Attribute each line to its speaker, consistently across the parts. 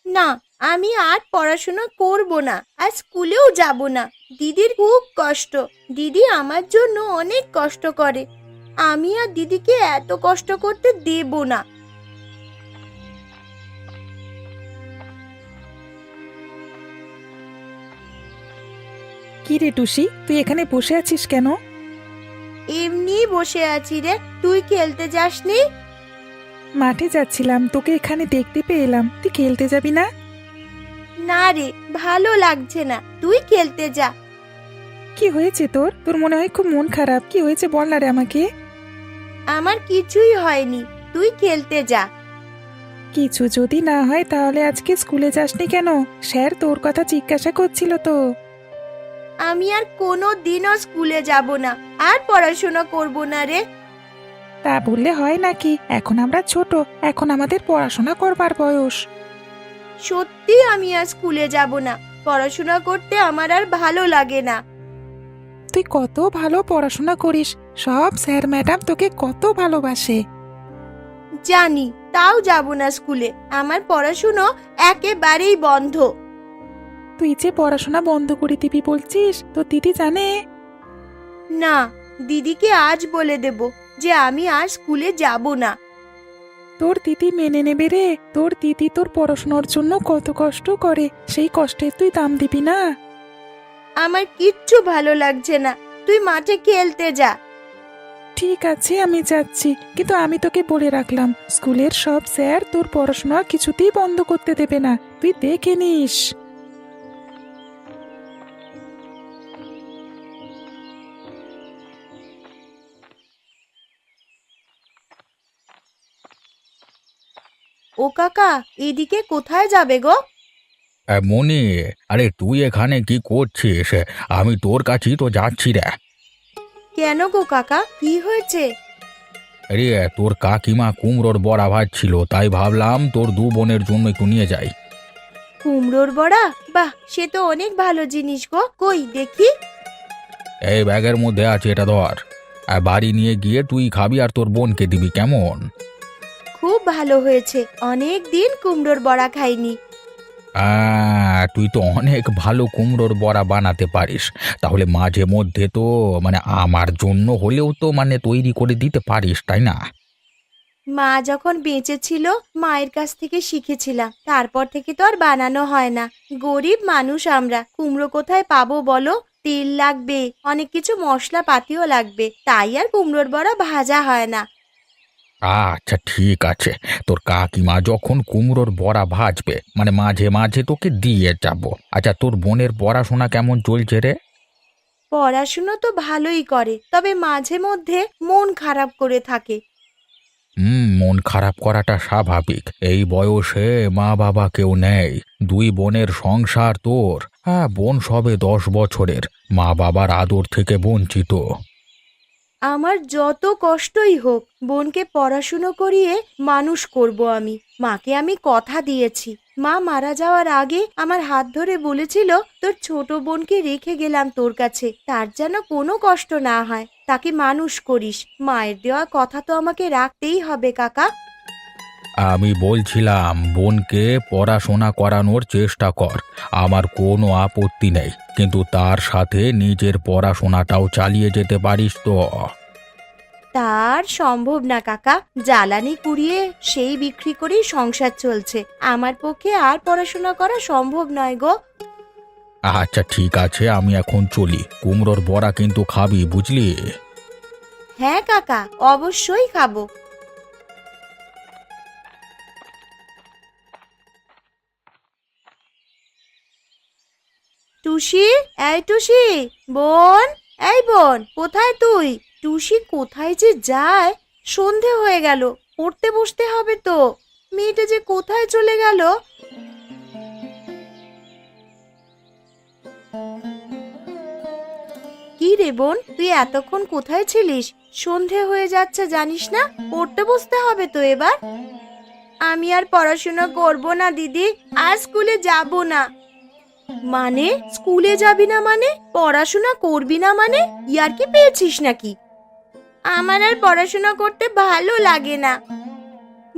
Speaker 1: না, আমি আর পড়াশোনা করব না, আর স্কুলেও যাব না। দিদির খুব কষ্ট। দিদি আমার জন্য অনেক কষ্ট করে। আমি আর দিদিকে এত কষ্ট করতে দেব না।
Speaker 2: কি রে টুসি, তুই এখানে বসে আছিস কেন?
Speaker 1: এমনি বসে আছি রে। তুই খেলতে যাসনি?
Speaker 2: মাঠে যাচ্ছিলাম, তোকে এখানে দেখতে পেয়ে এলাম। তুই খেলতে যাবি না?
Speaker 1: না রে, ভালো লাগছে না, তুই খেলতে যা।
Speaker 2: কি হয়েছে তোর? তোর মনে হয় খুব মন খারাপ। কি হয়েছে বল না রে আমাকে।
Speaker 1: আমার কিছুই হয়নি, তুই খেলতে যা।
Speaker 2: কিছু যদি না হয় তাহলে আজকে স্কুলে যাসনি কেন? স্যার তোর কথা জিজ্ঞাসা করছিল তো।
Speaker 1: আমি আর কোনো দিনও স্কুলে যাব না, আর পড়াশোনা করব না রে।
Speaker 2: তা বললে হয় নাকি? এখন আমরা ছোট, এখন আমাদের পড়াশোনা করবার বয়স।
Speaker 1: সত্যি আমি আর স্কুলে যাব না। পড়াশোনা করতে আমার আর ভালো লাগে না।
Speaker 2: তুই কত ভালো পড়াশোনা করিস, সব স্যার ম্যাডাম তোকে কত ভালোবাসে।
Speaker 1: জানি, তাও যাব না স্কুলে। আমার পড়াশুনো একেবারেই বন্ধ।
Speaker 2: তুই যে পড়াশোনা বন্ধ করে দিবি বলছিস, তো দিদি জানে?
Speaker 1: না, দিদিকে আজ বলে দেব যে আমি আর স্কুলে যাব না।
Speaker 2: তোর দিদি মেনে নেবে রে। তোর দিদি তোর পড়াশোনার জন্য কত কষ্ট করে, সেই কষ্টের তুই দাম দিবি না?
Speaker 1: আমার কিচ্ছু ভালো লাগছে না, তুই মাঠে খেলতে যা।
Speaker 2: ঠিক আছে, আমি যাচ্ছি, কিন্তু আমি তোকে বলে রাখলাম, স্কুলের সব স্যার তোর পড়াশোনা কিছুতেই বন্ধ করতে দেবে না, তুই দেখে নিস।
Speaker 1: ও কাকা, এদিকে কোথায় যাবে গো?
Speaker 3: মনি, আরে তুই এখানে কি করছিস? আমি তোর কাছেই তো যাচ্ছি রে।
Speaker 1: কেন গো কাকা, কি হয়েছে?
Speaker 3: আরে তোর কাকিমা কুমড়োর বড়া ভাজছিল, তাই ভাবলাম তোর দু বোনের জন্য একটু নিয়ে যাই।
Speaker 1: কুমড়োর বড়া? বাহ, সে তো অনেক ভালো জিনিস গো। কই দেখি।
Speaker 3: এই ব্যাগের মধ্যে আছে, এটা ধর। আর বাড়ি নিয়ে গিয়ে তুই খাবি আর তোর বোনকে দিবি, কেমন?
Speaker 1: খুব ভালো হয়েছে, অনেক দিন কুমড়োর বড়া খাইনি।
Speaker 3: তুই তো অনেক ভালো কুমড়োর বড়া বানাতে পারিস। তাহলে মাঝে মধ্যে তো আমার জন্য হলেও তো তৈরি করে দিতে পারিস, তাই না?
Speaker 1: মা যখন বেঁচে ছিল, মায়ের কাছ থেকে শিখেছিলাম, তারপর থেকে তো আর বানানো হয় না। গরিব মানুষ আমরা, কুমড়ো কোথায় পাবো বলো? তেল লাগবে, অনেক কিছু মশলা পাতিও লাগবে, তাই আর কুমড়োর বড়া ভাজা হয় না।
Speaker 3: আচ্ছা ঠিক আছে, তোর কাকিমা যখন কুমড়োর বড়া ভাজবে মাঝে মাঝে তোকে দিয়ে যাব। আচ্ছা, তোর বোনের পড়াশোনা কেমন চলছে রে?
Speaker 1: পড়াশুনো তো ভালোই করে, তবে মাঝে মধ্যে মন খারাপ করে থাকে।
Speaker 3: মন খারাপ করাটা স্বাভাবিক। এই বয়সে মা বাবা কেউ নেই, দুই বোনের সংসার তোর। হ্যাঁ, বোন সবে 10 বছরের, মা বাবার আদর থেকে বঞ্চিত।
Speaker 1: আমার যত কষ্টই হোক, বোনকে পড়াশুনো করিয়ে মানুষ করব আমি। মাকে আমি কথা দিয়েছি। মা মারা যাওয়ার আগে আমার হাত ধরে বলেছিল, তোর ছোট বোনকে রেখে গেলাম তোর কাছে, তার যেন কোনো কষ্ট না হয়, তাকে মানুষ করিস। মায়ের দেওয়া কথা তো আমাকে রাখতেই হবে কাকা।
Speaker 3: আমি বলছিলাম বোনকে পড়াশোনা করানোর চেষ্টা কর, আমার কোনো আপত্তি নেই, কিন্তু তার সাথে নিজের পড়াশোনাটাও চালিয়ে যেতে পারিস তো?
Speaker 1: তার সম্ভব না কাকা, জ্বালানি কুড়িয়ে সেই বিক্রি করেই সংসার চলছে। আমার পক্ষে আর পড়াশোনা করা সম্ভব নয় গো।
Speaker 3: আচ্ছা ঠিক আছে, আমি এখন চলি। কুমড়োর বড়া কিন্তু খাবি, বুঝলি?
Speaker 1: হ্যাঁ কাকা, অবশ্যই খাবো। টুসি, এই টুসি, বোন, এই বোন, কোথায় তুই? টুসি কোথায় যে যায়? সন্ধে হয়ে গেল, পড়তে বসতে হবে তো। মেয়েটা যে কোথায় চলে গেল? কি রে বোন, তুই এতক্ষণ কোথায় ছিলিস? সন্ধে হয়ে যাচ্ছে জানিস না? পড়তে বসতে হবে তো এবার। আমি আর পড়াশোনা করব না দিদি, আর স্কুলে যাব না। মানে স্কুলে যাবি না মানে? পড়াশোনা করবি না মানে? ইয়ার কি পেয়েছিস নাকি? আমার আর পড়াশোনা করতে ভালো লাগে না।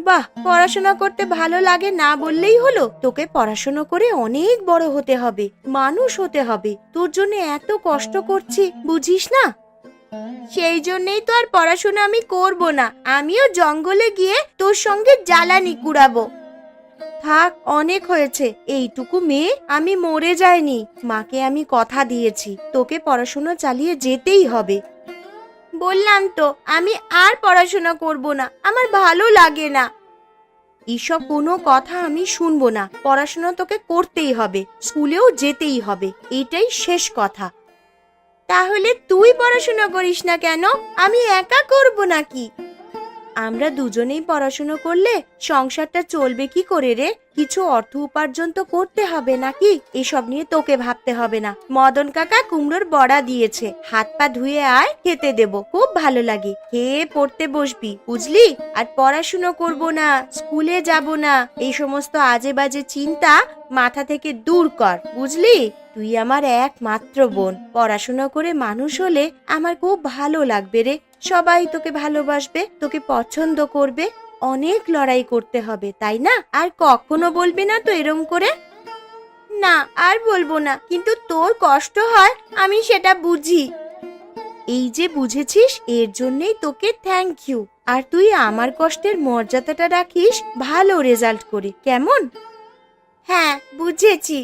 Speaker 1: বাহ, পড়াশোনা করতে ভালো লাগে না বললেই হলো? তোকে পড়াশোনা করে অনেক বড় হতে হবে, মানুষ হতে হবে। তোর জন্য এত কষ্ট করছি, বুঝিস না? সেই জন্যই তো আর পড়াশোনা আমি করব না। আমিও জঙ্গলে গিয়ে তোর সঙ্গে জ্বালানি কুড়াবো। থাক, অনেক হয়েছে। এইটুকু মেয়ে, আমি মরে যাইনি। মাকে আমি কথা দিয়েছি, তোকে পড়াশোনা চালিয়ে যেতেই হবে। বললাম তো, আমি আর পড়াশোনা করব না, আমার ভালো লাগে না। এইসব কোনো কথা আমি শুনবো না। পড়াশোনা তোকে করতেই হবে, স্কুলেও যেতেই হবে, এটাই শেষ কথা। তাহলে তুই পড়াশোনা করিস না কেন? আমি একা করব নাকি? আমরা দুজনেই পড়াশোনা করলে সংসারটা চলবে কি করে রে? কিছু অর্থ উপার্জন তো করতে হবে নাকি? এসব নিয়ে তোকে ভাবতে হবে না। মদন কাকা কুমড়োর বড়া দিয়েছে, হাত পা ধুয়ে আয়, খেতে দেব, খুব ভালো লাগে। খেয়ে পড়তে বসবি, বুঝলি? আর পড়াশুনো করব না, স্কুলে যাব না, এই সমস্ত আজে বাজে চিন্তা মাথা থেকে দূর কর, বুঝলি? তুই আমার একমাত্র বোন। পড়াশোনা করে মানুষ হলে আমার খুব ভালো লাগবে রে। সবাই তোকে ভালোবাসবে, তোকে পছন্দ করবে। অনেক লড়াই করতে হবে, তাই না? আর কখনো বলবি না তো এরম করে? না, আর বলবো না, কিন্তু তোর কষ্ট হয়, আমি সেটা বুঝি। এই যে বুঝেছিস, এর জন্যই তোকে থ্যাংক ইউ। আর তুই আমার কষ্টের মর্যাদাটা রাখিস ভালো রেজাল্ট করে, কেমন? হ্যাঁ, বুঝেছি।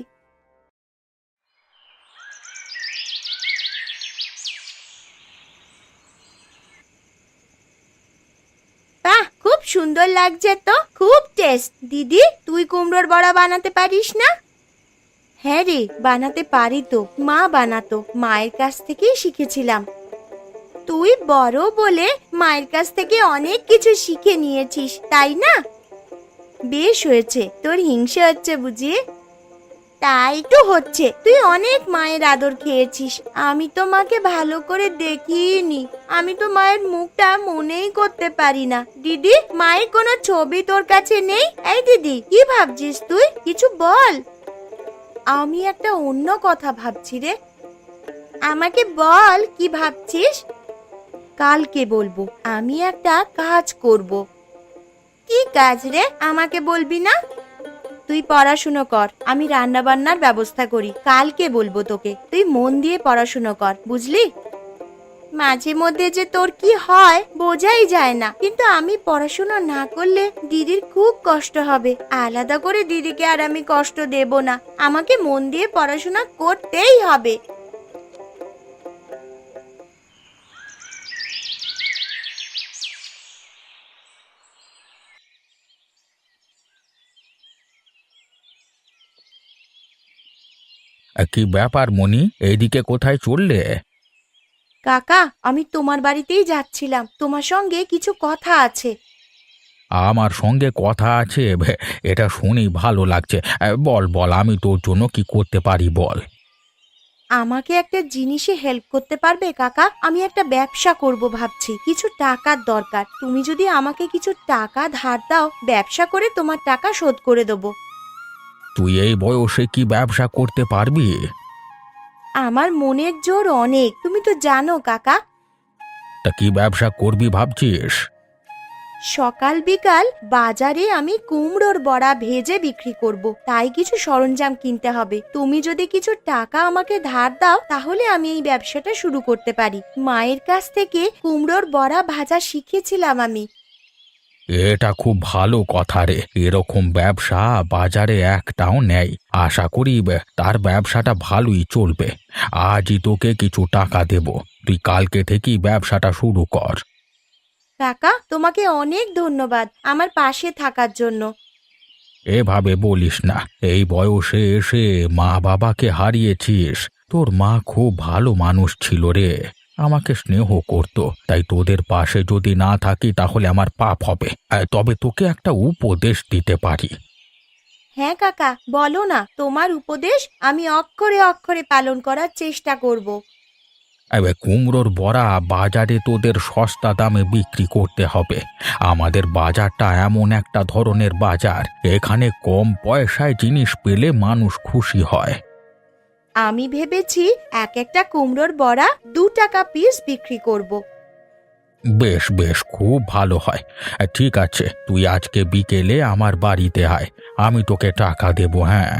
Speaker 1: বাহ, খুব সুন্দর লাগছে তো, খুব টেস্ট। দিদি, তুই কুমড়োর বড়া বানাতে পারিস না? হ্যাঁ রে, বানাতে পারি তো। মা বানাতো, মায়ের কাছ থেকেই শিখেছিলাম। তুই বড় বলে মায়ের কাছ থেকে অনেক কিছু শিখে নিয়েছিস, তাই না? বেশ হয়েছে। তোর হিংসে হচ্ছে বুঝি? তাই তো হচ্ছে। তুই অনেক মায়ের আদর খেয়েছিস। আমি তো মাকে ভালো করে দেখিনি। আমি তো মায়ের মুখটা মনেই করতে পারি না। দিদি, মায়ের কোনো ছবি তোর কাছে নেই? এই দিদি, কি ভাবছিস তুই? কিছু বল। আমি একটা অন্য কথা ভাবছি রে। আমাকে বল, কি ভাবছিস? কালকে বলবো। আমি একটা কাজ করব। কি কাজ রে? আমাকে বলবি না? তুই পড়াশুনো কর, আমি রান্না বান্নার ব্যবস্থা করি। কালকে বলবো তোকে। তুই মন দিয়ে পড়াশুনো কর, বুঝলি? মাঝে মধ্যে যে তোর কি হয় বোঝাই যায় না, কিন্তু আমি পড়াশোনা না করলে দিদির খুব কষ্ট হবে। আলাদা করে দিদিকে আর আমি কষ্ট দেব না। আমাকে মন দিয়ে পড়াশোনা করতেই হবে।
Speaker 3: কি ব্যাপার মনি, এইদিকে কোথায় চললে?
Speaker 1: কাকা, আমি তোমার বাড়িতেই যাচ্ছিলাম। তোমার সঙ্গে কিছু কথা আছে।
Speaker 3: আমার সঙ্গে কথা আছে? এটা শুনেই ভালো লাগছে। বল বল, আমি তোর জন্য কি করতে পারি বল।
Speaker 1: আমাকে একটা জিনিসে হেল্প করতে পারবে কাকা? আমি একটা ব্যবসা করব ভাবছি, কিছু টাকার দরকার। তুমি যদি আমাকে কিছু টাকা ধার দাও, ব্যবসা করে তোমার টাকা শোধ করে দেবো।
Speaker 3: তুই এই বয়সে কি ব্যবসা করতে পারবি?
Speaker 1: আমার মনের জোর অনেক, তুমি তো জানো কাকা।
Speaker 3: তা কি ব্যবসা করবি ভাবছিস?
Speaker 1: সকাল বিকাল বাজারে আমি কুমড়োর বড়া ভেজে বিক্রি করব, তাই কিছু সরঞ্জাম কিনতে হবে। তুমি যদি কিছু টাকা আমাকে ধার দাও, তাহলে আমি এই ব্যবসাটা শুরু করতে পারি। মায়ের কাছ থেকে কুমড়োর বড়া ভাজা শিখেছিলাম আমি।
Speaker 3: এটা খুব ভালো কথা রে। এরকম ব্যবসা বাজারে একটাও নেই। আশা করি তার ব্যবসাটা ভালোই চলবে। আজই তোকে কিছু টাকা দেব, তুই কালকে থেকেই ব্যবসাটা শুরু কর।
Speaker 1: কাকা, তোমাকে অনেক ধন্যবাদ আমার পাশে থাকার জন্য।
Speaker 3: এভাবে বলিস না, এই বয়সে এসে মা বাবাকে হারিয়েছিস। তোর মা খুব ভালো মানুষ ছিল রে, আমাকে স্নেহ করত। তাই তোদের পাশে যদি না থাকি তাহলে আমার পাপ হবে। তবে তোকে একটা উপদেশ দিতে পারি।
Speaker 1: হ্যাঁ কাকা, বলো না। তোমার উপদেশ আমি অক্ষরে অক্ষরে পালন করার চেষ্টা করব।
Speaker 3: এবার কুমড়োর বড়া বাজারে তোদের সস্তা দামে বিক্রি করতে হবে। আমাদের বাজারটা এমন একটা ধরনের বাজার, এখানে কম পয়সায় জিনিস পেলে মানুষ খুশি হয়।
Speaker 1: আমি ভেবেছি এক একটা কুমড়োর বড়া 2 টাকা পিস বিক্রি করব।
Speaker 3: বেশ বেশ, খুব ভালো হয়। ঠিক আছে, তুই আজকে বিকেলে আমার বাড়িতে আয়, আমি তোকে টাকা দেবো। হ্যাঁ,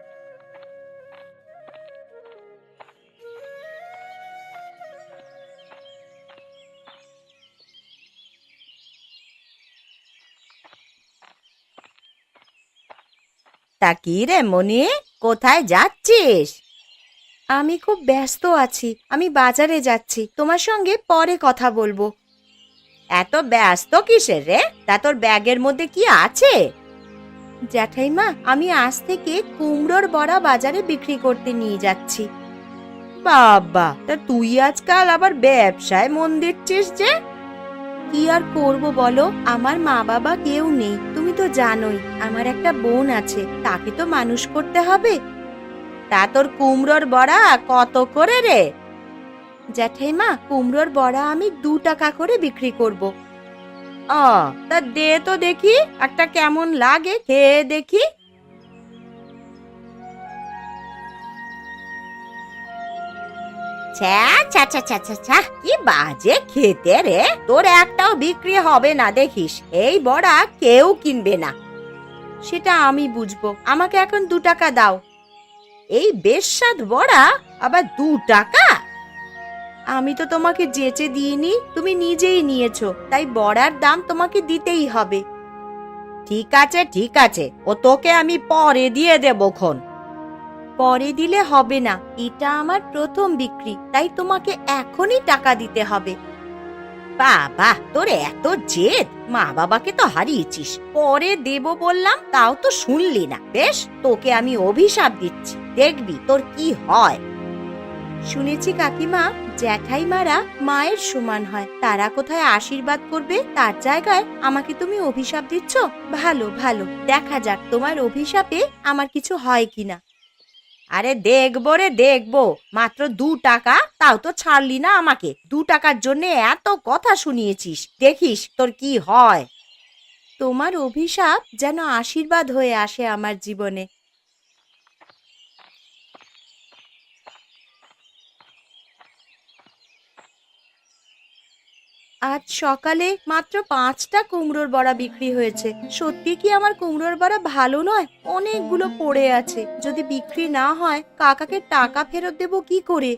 Speaker 1: তা কি রে মনি, কোথায় যাচ্ছিস? আমি খুব ব্যস্ত আছি, আমি বাজারে যাচ্ছি, তোমার সঙ্গে পরে কথা বলবো। এত ব্যস্ত কিসের রে? তা তোর ব্যাগের মধ্যে কি আছে? জ্যাঠাইমা, আমি আজ থেকে কুমড়োর বড়া বাজারে বিক্রি করতে নিয়ে যাচ্ছি। বাবা, তা তুই আজকাল আবার ব্যবসায় মন দিচ্ছিস যে? কি আর করব বলো, আমার মা বাবা কেউ নেই, তুমি তো জানোই। আমার একটা বোন আছে, তাকে তো মানুষ করতে হবে। তা তোর কুমড়োর বড়া কত করে রে? জ্যাঠাইমা, কুমড়োর বড়া আমি 2 টাকা করে বিক্রি করব। তা দে তো দেখি, একটা কেমন লাগে খেয়ে দেখি। ছ্যা ছ্যা ছ্যা ছ্যা ছ্যা ছ্যা, কি বাজে খেতে রে! তোর একটাও বিক্রি হবে না দেখিস, এই বড়া কেউ কিনবে না। সেটা আমি বুঝবো, আমাকে এখন 2 টাকা দাও। এই বেস্বাদ বড়া আবার 2 টাকা? আমি তো তোমাকে যেচে দিইনি, তুমি নিজেই নিয়েছো, তাই বড়ার দাম তোমাকে দিতেই হবে। ঠিক আছে ঠিক আছে, ও তোকে আমি পরে দিয়ে দেবো খন। পরে দিলে হবে না, এটা আমার প্রথম বিক্রি, তাই তোমাকে এখনই টাকা দিতে হবে। বাবা, তোর এত জেদ! মা বাবাকে তো হারিয়েছিস, পরে দেব বললাম তাও তো শুনলি না। বেশ, তোকে আমি অভিশাপ দিচ্ছি, দেখবি তোর কি হয়। শুনেছি কাকিমা, জ্যাঠাইমারা মায়ের সমান হয়, তারা কোথায় আশীর্বাদ করবে, তার জায়গায় আমাকে তুমি অভিশাপ দিচ্ছ। ভালো ভালো, দেখা যাক তোমার অভিশাপে আমার কিছু হয় কিনা। আরে দেখবো রে দেখবো, মাত্র 2 টাকা, তাও তো ছাড়লি না আমাকে। 2 টাকার জন্য এত কথা শুনিয়েছিস, দেখিস তোর কি হয়। তোমার অভিশাপ যেন আশীর্বাদ হয়ে আসে আমার জীবনে। আজ সকালে মাত্র 5টা কুমড়োর বড়া বিক্রি হয়েছে। সত্যি কি আমার কুমড়োর বড়া ভালো নয়? অনেকগুলো পড়ে আছে, যদি বিক্রি না হয় কাকাকে টাকা ফেরত দেব কি করে?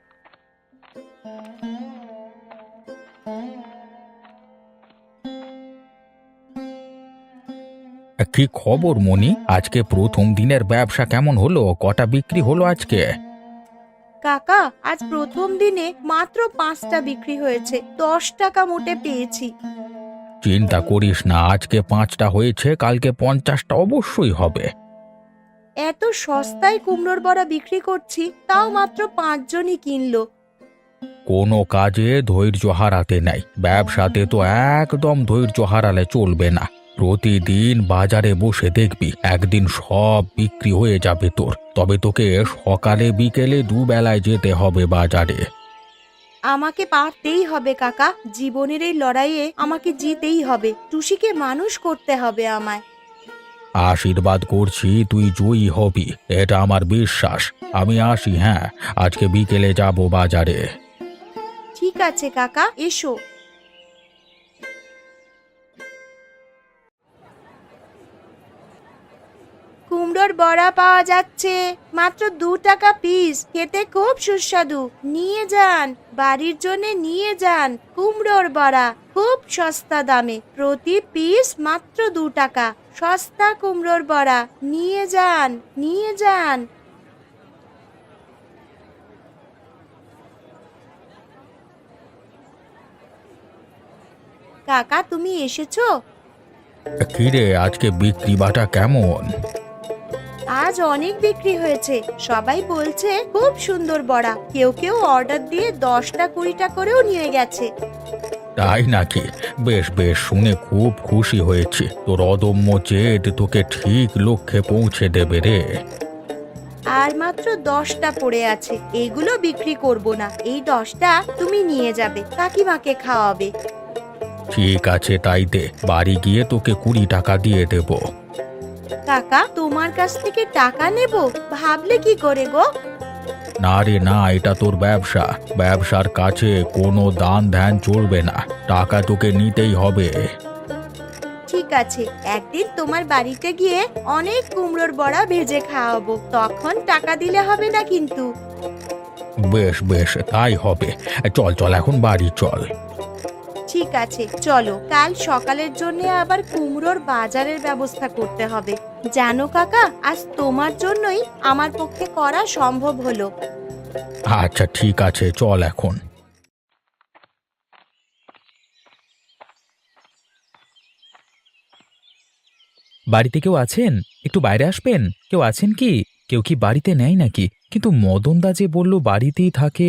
Speaker 3: কি খবর মনি? আজকে প্রথম দিনের ব্যবসা কেমন হলো? কটা বিক্রি হলো আজকে?
Speaker 1: কাকা, আজ প্রথম দিনে মাত্র 5টা বিক্রি হয়েছে, 10 টাকা মোটে পেয়েছি।
Speaker 3: চিন্তা করিস না, আজকে 5টা হয়েছে, কালকে 50টা অবশ্যই হবে।
Speaker 1: এত সস্তায় কুমড়োর বড়া বিক্রি করছি, তাও মাত্র 5 জনই কিনলো।
Speaker 3: কোনো কাজে ধৈর্য হারাতে নাই, ব্যবসাতে তো একদম ধৈর্য হারালে চলবে না। প্রতিদিন বাজারে বসে দেখবি, একদিন সব বিক্রি হয়ে যাবে তোর। তবে তোকে সকালে বিকেলে 2 বেলায় যেতে হবে বাজারে।
Speaker 1: আমাকে পারতেই হবে কাকা, জীবনের এই লড়াইয়ে আমাকে জিতেই হবে। টুসিকে মানুষ করতে হবে আমায়।
Speaker 3: আশীর্বাদ করছি, তুই জয়ী হবি, এটা আমার বিশ্বাস। আমি আসি, হ্যাঁ, আজকে বিকেলে যাব বাজারে।
Speaker 1: ঠিক আছে কাকা, এসো। কুমড়োর বড়া পাওয়া যাচ্ছে, মাত্র 2 টাকা পিস, খেতে খুব সুস্বাদু। নিয়ে যান, বাড়ির জন্য নিয়ে যান। কুমড়োর বড়া খুব সস্তা দামে, প্রতি পিস মাত্র 2 টাকা। সস্তা কুমড়োর বড়া, নিয়ে যান নিয়ে যান। কাকা, তুমি এসেছো?
Speaker 3: কিরে, আজকে বিক্রি বাটা কেমন?
Speaker 1: আজ অনেক বিক্রি হয়েছে, সবাই বলছে খুব সুন্দর বড়া। কেউ কেউ অর্ডার দিয়ে 10টা 20টা করেও নিয়ে গেছে।
Speaker 3: তাই নাকি? বেশ বেশ, শুনে খুব খুশি হয়েছি। তোর অদম্য জেদ তোকে ঠিক লক্ষ্যে পৌঁছে দেবে রে।
Speaker 1: আর মাত্র 10টা পড়ে আছে, এগুলো বিক্রি করব না। এই 10টা তুমি নিয়ে যাবে, কাকিমাকে খাওয়াবে।
Speaker 3: ঠিক আছে, তাই দে, বাড়ি গিয়ে তোকে 20 টাকা দিয়ে দেব।
Speaker 1: কাকা, তোমার কাছ থেকে টাকা নেব ভাবলে কি করে গো?
Speaker 3: না রে না, এটা তোর ব্যবসা। ব্যবসার কাছে কোনো দান ধ্যান চলবে না। টাকা তোকে নিতেই হবে।
Speaker 1: ঠিক আছে, একদিন তোমার বাড়িতে গিয়ে অনেক কুমড়োর বড়া ভেজে খাওয়াবো, তখন টাকা দিলে হবে না কিন্তু।
Speaker 3: বেশ বেশ, তাই হবে। চল চল, এখন বাড়ি চল।
Speaker 1: ঠিক আছে চলো, কাল সকালের জন্য আবার কুমড়োর বাজারের ব্যবস্থা করতে হবে। জানো কাকা, আজ তোমার জন্যই আমার পক্ষে করা সম্ভব হলো।
Speaker 3: আচ্ছা ঠিক আছে, চল এখন।
Speaker 2: বাড়িতে কেউ আছেন? একটু বাইরে আসবেন। কেউ আছেন কি? কেউ কি বাড়িতে নেই নাকি? কিন্তু মদনদা যে বলল বাড়িতেই থাকে।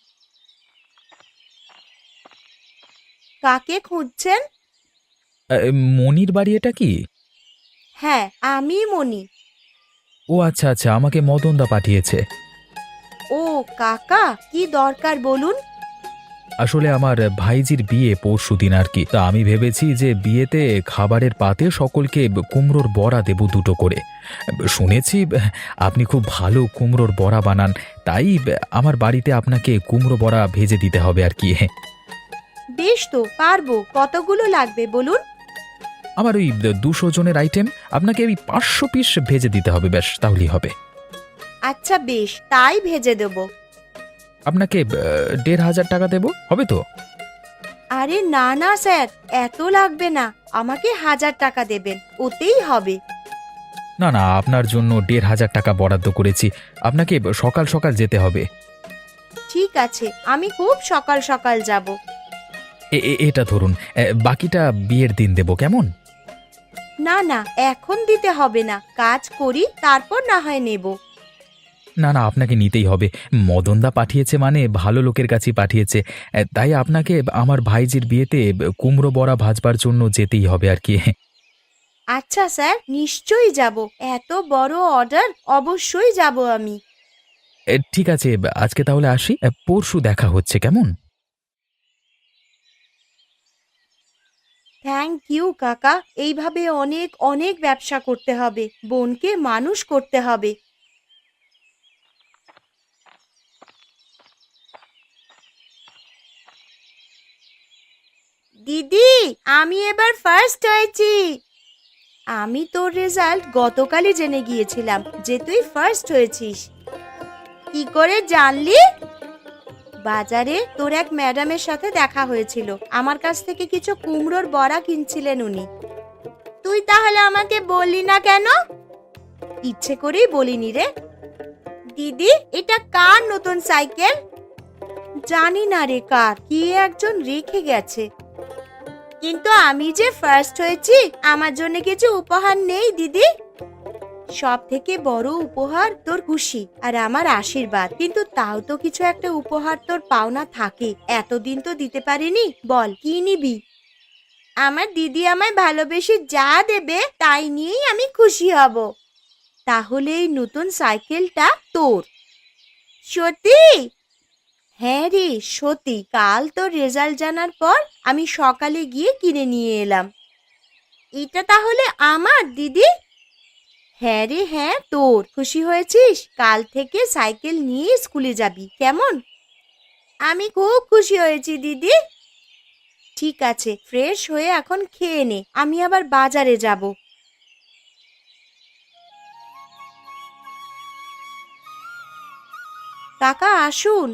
Speaker 1: কাকে খুঁজছেন?
Speaker 2: মনির বাড়ি এটা কি?
Speaker 1: হ্যাঁ, আমি মনি।
Speaker 2: ও আচ্ছা আচ্ছা, আমাকে মদনদা পাঠিয়েছে।
Speaker 1: ও কাকা, কি দরকার বলুন।
Speaker 2: আসলে আমার ভাইজির বিয়ে পরশুদিন আর কি, তা আমি ভেবেছি যে বিয়েতে খাবারের পাতে সকলকে কুমড়োর বড়া দেব দুটো করে। শুনেছি আপনি খুব ভালো কুমড়োর বড়া বানান, তাই আমার বাড়িতে আপনাকে কুমড়ো বড়া ভেজে দিতে হবে আর কি।
Speaker 1: বেশ তো, পারবো। কতগুলো লাগবে বলুন।
Speaker 2: আমার ওই 200 জনের আইটেম, আপনাকে ওই 500 পিস ভেজে দিতে হবে, ব্যাস তাহলেই হবে।
Speaker 1: আচ্ছা বেশ, তাই ভেজে দেব।
Speaker 2: আপনাকে 1500 টাকা দেব, হবে তো?
Speaker 1: আরে না না স্যার, এত লাগবে না, আমাকে 1000 টাকা দেবেন, ওতেই হবে।
Speaker 2: না না, আপনার জন্য 1500 টাকা বরাদ্দ করেছি। আপনাকে সকাল সকাল যেতে হবে।
Speaker 1: ঠিক আছে, আমি খুব সকাল সকাল যাব।
Speaker 2: এটা ধরুন, বাকিটা বিয়ের দিন দেব, কেমন?
Speaker 1: না না, এখন দিতে হবে না, কাজ করি তারপর না হয় নেব।
Speaker 2: না না, আপনাকে নিতেই হবে। মদনদা পাঠিয়েছে মানে ভালো লোকের কাছেই পাঠিয়েছে। তাই আপনাকে আমার ভাইজির বিয়েতে কুমড়ো বড়া ভাজবার জন্য যেতেই হবে আর কি।
Speaker 1: আচ্ছা স্যার, নিশ্চয়ই যাব, এত বড় অর্ডার, অবশ্যই যাব আমি।
Speaker 2: ঠিক আছে, আজকে তাহলে আসি। পরশু দেখা হচ্ছে, কেমন?
Speaker 1: থ্যাংক ইউ কাকা, এইভাবে অনেক অনেক ব্যবসা করতে হবে, বোনকে মানুষ করতে হবে। দিদি, আমি এবার ফার্স্ট হয়েছি। আমি তোর রেজাল্ট গতকালই জেনে গিয়েছিলাম যে তুই ফার্স্ট হয়েছিস। কি করে জানলি? বাজারে তোর এক ম্যাডামের সাথে দেখা হয়েছিল, আমার কাছ থেকে কিছু কুমড়োর বড়া কিনছিলেন উনি। তুই তাহলে আমাকে বললি না কেন? ইচ্ছে করেই বলিনি রে। দিদি, এটা কার নতুন সাইকেল? জানি না রে কার, কি একজন রেখে গেছে। কিন্তু আমি যে ফার্স্ট হয়েছি, আমার জন্য কিছু উপহার নেই দিদি? সব থেকে বড় উপহার তোর খুশি আর আমার আশীর্বাদ, কিন্তু তাও তো কিছু একটা উপহার তোর পাওনা থাকে, এতদিন তো দিতে পারিনি, বল কি নিবি? আমার দিদি আমায় ভালোবেসে যা দেবে তাই নিয়েই আমি খুশি হব। তাহলে এই নতুন সাইকেলটা তোর। সত্যি? হ্যাঁ রে সত্যি, কাল তোর রেজাল্ট জানার পর আমি সকালে গিয়ে কিনে নিয়ে এলাম। এটা তাহলে আমার দিদি? হ্যাঁ রে হ্যাঁ, তোর। খুশি হয়েছিস? কাল থেকে সাইকেল নিয়ে স্কুলে যাবি, কেমন? আমি খুব খুশি হয়েছি দিদি। ঠিক আছে, ফ্রেশ হয়ে এখন খেয়ে নে, আমি আবার বাজারে যাব। কাকা আসুন।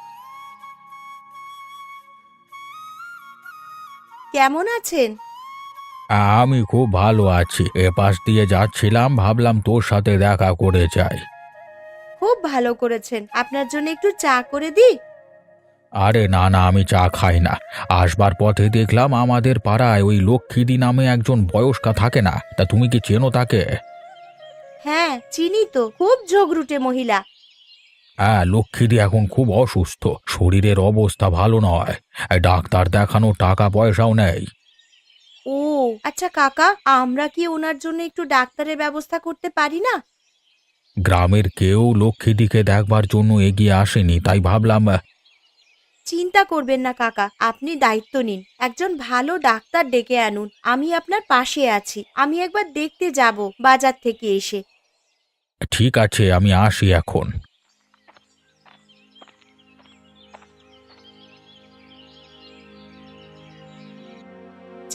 Speaker 1: কেমন আছেন?
Speaker 3: আমি খুব ভালো আছি। এপাশ দিয়ে যাচ্ছিলাম, ভাবলাম তোর সাথে দেখা করে যাই।
Speaker 1: খুব ভালো করেছেন, আপনার জন্য একটু চা করে দিই?
Speaker 3: আরে না না, আমি চা খাই না। আসবার পথে দেখলাম আমাদের পাড়ায় ওই লক্ষ্মীদি নামে একজন বয়স্কা থাকে না, তা তুমি কি চেনো তাকে?
Speaker 1: হ্যাঁ চিনি তো, খুব ঝগড়ুটে মহিলা।
Speaker 3: হ্যাঁ, লক্ষ্মীদি এখন খুব অসুস্থ, শরীরের অবস্থা ভালো নয়। ডাক্তার দেখানো টাকা পয়সাও নেই।
Speaker 1: ও আচ্ছা কাকা, আমরা কি ওনার জন্য একটু ডাক্তারের ব্যবস্থা করতে পারি না?
Speaker 3: গ্রামের কেউ লক্ষ্মীদিকে দেখবার জন্য এগিয়ে আসেনি, তাই ভাবলাম।
Speaker 1: চিন্তা করবেন না কাকা, আপনি দায়িত্ব নিন, একজন ভালো ডাক্তার ডেকে আনুন, আমি আপনার পাশে আছি। আমি একবার দেখতে যাব বাজার থেকে এসে।
Speaker 3: ঠিক আছে, আমি আসি এখন।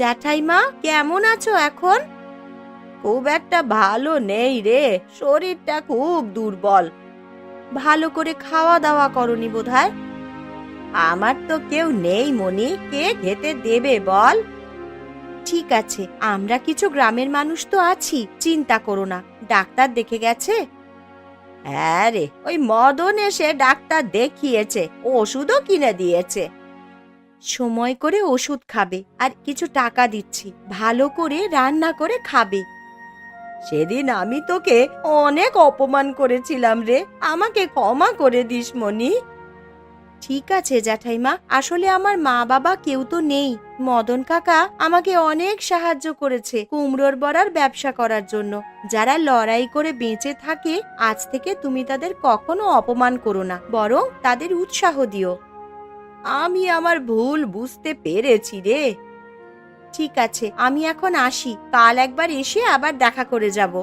Speaker 1: জ্যাঠাইমা কেমন আছো এখন? খুব একটা ভালো নেই রে, শরীরটা খুব দুর্বল। ভালো করে খাওয়া দাওয়া করনি বোধহয়। আমার তো কেউ নেই মনি, কে খেতে দেবে বল? ঠিক আছে, আমরা কিছু গ্রামের মানুষ তো আছি, চিন্তা করো না। ডাক্তার দেখে গেছে? হ্যাঁ রে, ওই মদন এসে ডাক্তার দেখিয়েছে, ওষুধও কিনে দিয়েছে। সময় করে ওষুধ খাবে, আর কিছু টাকা দিচ্ছি, ভালো করে রান্না করে খাবে। সেদিন আমি তোকে অনেক অপমান করেছিলাম রে, আমাকে ক্ষমা করে দিস মনি। ঠিক আছে জ্যাঠাইমা, আসলে আমার মা বাবা কেউ তো নেই। মদন কাকা আমাকে অনেক সাহায্য করেছে কুমড়োর বড়ার ব্যবসা করার জন্য। যারা লড়াই করে বেঁচে থাকে, আজ থেকে তুমি তাদের কখনো অপমান করো না, বরং তাদের উৎসাহ দিও। আমি আমার ভুল বুঝতে পেরেছি রে। ঠিক আছে, আমি এখন আসি, কাল একবার এসে আবার দেখা করে যাব।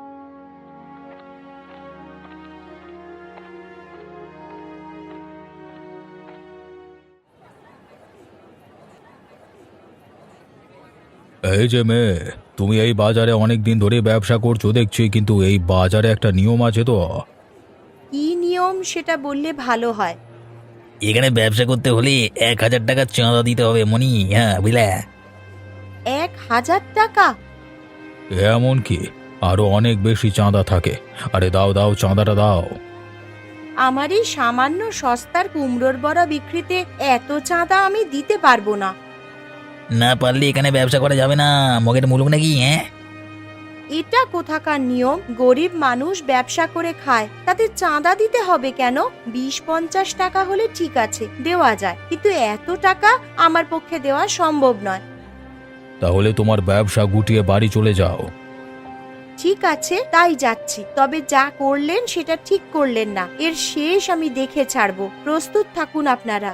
Speaker 3: এই যে মেয়ে, তুমি এই বাজারে অনেক দিন ধরে ব্যবসা করছো দেখছি, কিন্তু এই বাজারে একটা নিয়ম আছে তো।
Speaker 1: কি নিয়ম সেটা বললে ভালো হয়।
Speaker 4: এখানে ব্যবসা করতে হলে 1,000 টাকা চাঁদা দিতে হবে মনি, হ্যাঁ বুঝলে?
Speaker 1: 1,000 টাকা?
Speaker 3: এমন কি, আরো অনেক বেশি চাঁদা থাকে। আরে দাও দাও, চাঁদাটা দাও।
Speaker 1: আমার এই সামান্য সস্তার কুমড়োর বড়া বিক্রিতে এত চাঁদা আমি দিতে পারবো না।
Speaker 4: না পারলে এখানে ব্যবসা করা যাবে না, মগের মুলুক নাকি? হ্যাঁ,
Speaker 1: এটা কোথাকার নিয়ম? গরিব মানুষ ব্যবসা করে খায়, তাতে চাঁদা দিতে হবে কেন? 20-50 টাকা হলে ঠিক আছে, দেওয়া যায়, কিন্তু এত টাকা আমার পক্ষে দেওয়া সম্ভব নয়।
Speaker 3: তাহলে তোমার ব্যবসা গুটিয়ে বাড়ি চলে যাও।
Speaker 1: ঠিক আছে, তাই যাচ্ছি। তবে যা করলেন সেটা ঠিক করলেন না, এর শেষ আমি দেখে ছাড়বো। প্রস্তুত থাকুন আপনারা।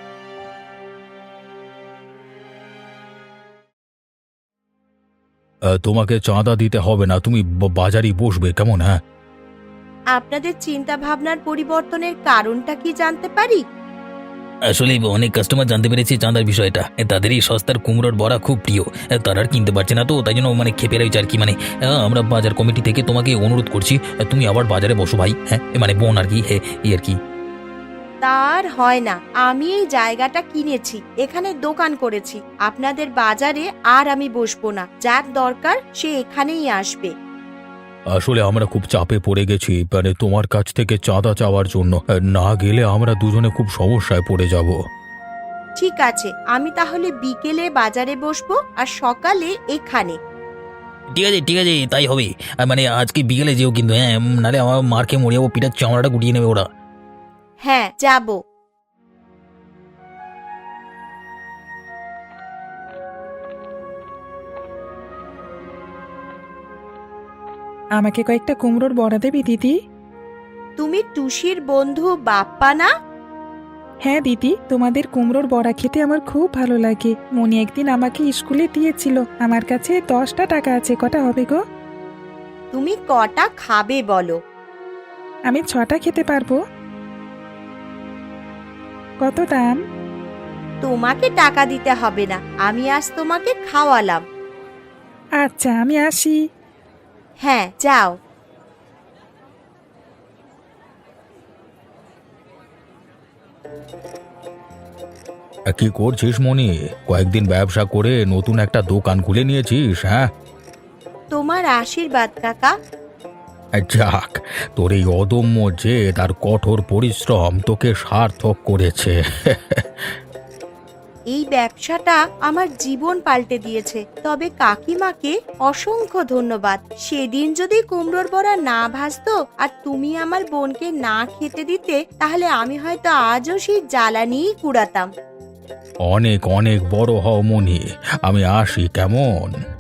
Speaker 3: তোমাকে চাঁদা দিতে হবে না, তুমি বাজারেই বসবে, কেমন? হ্যাঁ,
Speaker 1: আপনাদের চিন্তা ভাবনার পরিবর্তনের কারণটা কি জানতে পারি?
Speaker 4: আসলে অনেক কাস্টমার জানতে পেরেছে চাঁদার বিষয়টা, তাদের এই সস্তার কুমড়োর বড়া খুব প্রিয়। তারা আর কিনতে পারছে না, তো তাই জন্য খেপে রয়েছে আর কি। আমরা বাজার কমিটি থেকে তোমাকে অনুরোধ করছি, তুমি আবার বাজারে বসো ভাই। হ্যাঁ, বোন আর কি, হ্যাঁ এই আর কি।
Speaker 1: তার হয় না, আমি এই জায়গাটা কিনেছি, এখানে দোকান করেছি। আপনাদের বাজারে আর আমি বসবো না, যার দরকার সে এখানেই আসবে।
Speaker 3: আসলে আমরা খুব চাপে পড়ে গেছি, তোমার কাছ থেকে চাঁদা চাওয়ার জন্য। না গেলে আমরা দুজনে খুব সমস্যায় পড়ে যাব।
Speaker 1: ঠিক আছে, আমি তাহলে বিকেলে বাজারে বসবো, আর সকালে এখানে।
Speaker 4: ঠিক আছে ঠিক আছে, তাই হবে। আজকে বিকেলে যেও কিন্তু, হ্যাঁ, নাহলে আমার মারকে মরে যাবো, পিঠার চামড়াটা গুটিয়ে নেবে ওরা।
Speaker 1: হ্যাঁ, যাব।
Speaker 5: আমাকে কয়েকটা কুমড়োর বড়া দেবি দিদি?
Speaker 1: তুমি টুসির বন্ধু বাপ্পা না?
Speaker 5: হ্যাঁ দিদি, তোমাদের কুমড়োর বড়া খেতে আমার খুব ভালো লাগে। মনি একদিন আমাকে স্কুলে দিয়েছিল। আমার কাছে 10টা টাকা আছে, কটা হবে গো?
Speaker 1: তুমি কটা খাবে বলো?
Speaker 5: আমি 6টা খেতে পারবো। কত দাম?
Speaker 1: তোমাকে টাকা দিতে হবে না, আমি আজ তোমাকে খাওয়ালাম।
Speaker 5: আচ্ছা, আমি আসি।
Speaker 1: হ্যাঁ, যাও।
Speaker 3: কি করছিস মনি? কয়েকদিন ব্যবসা করে নতুন একটা দোকান খুলে নিয়েছিস? হ্যাঁ,
Speaker 1: তোমার আশীর্বাদ কাকা।
Speaker 3: যাক, তোর এই অদম্য জেদ আর কঠোর পরিশ্রম তোকে সার্থক করেছে।
Speaker 1: এই ব্যবসাটা আমার জীবন পাল্টে দিয়েছে। তবে কাকিমাকে অসংখ্য ধন্যবাদ। সেদিন যদি কুমড়োর বড়া না ভাজতো আর তুমি আমার বোনকে না খেতে দিতে, তাহলে আমি হয়তো আজও সেই জ্বালানিই কুড়াতাম।
Speaker 3: অনেক অনেক বড় হও মনি, আমি আসি, কেমন?